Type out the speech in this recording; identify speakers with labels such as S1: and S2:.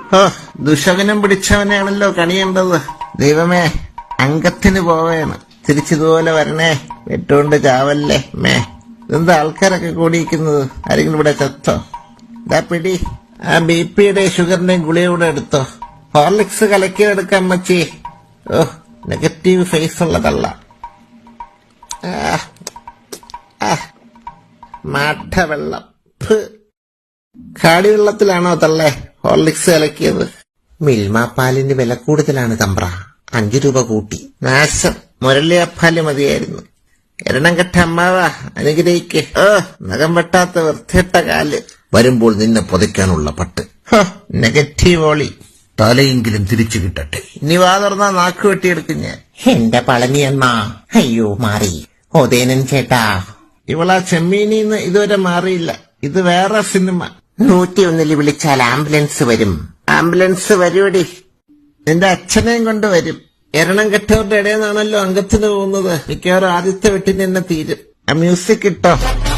S1: ഓ, ദുശകനം പിടിച്ചവനെയാണല്ലോ കണിയേണ്ടത്. ദൈവമേ, അംഗത്തിന് പോവേണ്. തിരിച്ചിതുപോലെ വരണേ, വെട്ടുകൊണ്ട് ചാവല്ലേ മേ. ഇതെന്താ ആൾക്കാരൊക്കെ കൂടിയിരിക്കുന്നത്? ആരെങ്കിലും ഇവിടെ ചത്തോ? ഇതാ പിടി, ആ BP-യുടെ ഷുഗറിന്റെയും ഗുളിയൂടെ എടുത്തോ. ഹോർലിക്സ് കലക്കിയെടുക്കാം അമ്മച്ചി. ഓ, നെഗറ്റീവ് ഫേസ് ഉള്ള തള്ള. മാഠവെള്ളം. കാടിവെള്ളത്തിലാണോ തള്ളേ ഹോർലിക്സ് കലക്കിയത്? മിൽമ പാലിന് വില കൂടുതലാണ് തമ്പ്ര, 5 രൂപ കൂട്ടി. നാശം, മുരളിയപ്പാല് മതിയായിരുന്നു. എരണം കെട്ട അമ്മാവാ, അനുഗ്രഹിക്ക്. നഖം വെട്ടാത്ത വൃത്തിയിട്ട കാല്.
S2: വരുമ്പോൾ നിന്നെ പൊതയ്ക്കാനുള്ള പട്ട്.
S1: നെഗറ്റീവ് ഓളി.
S2: തലയെങ്കിലും തിരിച്ചു കിട്ടട്ടെ.
S1: ഇനി വാ തുറന്നാ നാക്ക് വെട്ടിയെടുക്കും ഞാൻ.
S3: എന്റെ പളനിയണ്ണ, അയ്യോ മാറി. ഓതേനൻ ചേട്ടാ,
S1: ഇവളാ ചെമ്മീനിന്ന് ഇതുവരെ മാറിയില്ല. ഇത് വേറെ സിനിമ.
S3: 101 വിളിച്ചാൽ ആംബുലൻസ് വരും.
S1: ആംബുലൻസ് വരുവടി, നിന്റെ അച്ഛനെയും കൊണ്ട് വരും. എരണം കെട്ടവരുടെ ഇടയിൽ നിന്നാണല്ലോ അംഗത്തിന് പോകുന്നത്. മിക്കവാറും ആദ്യത്തെ വെട്ടിന് തന്നെ തീരും. ആ മ്യൂസിക് ഇട്ടോ.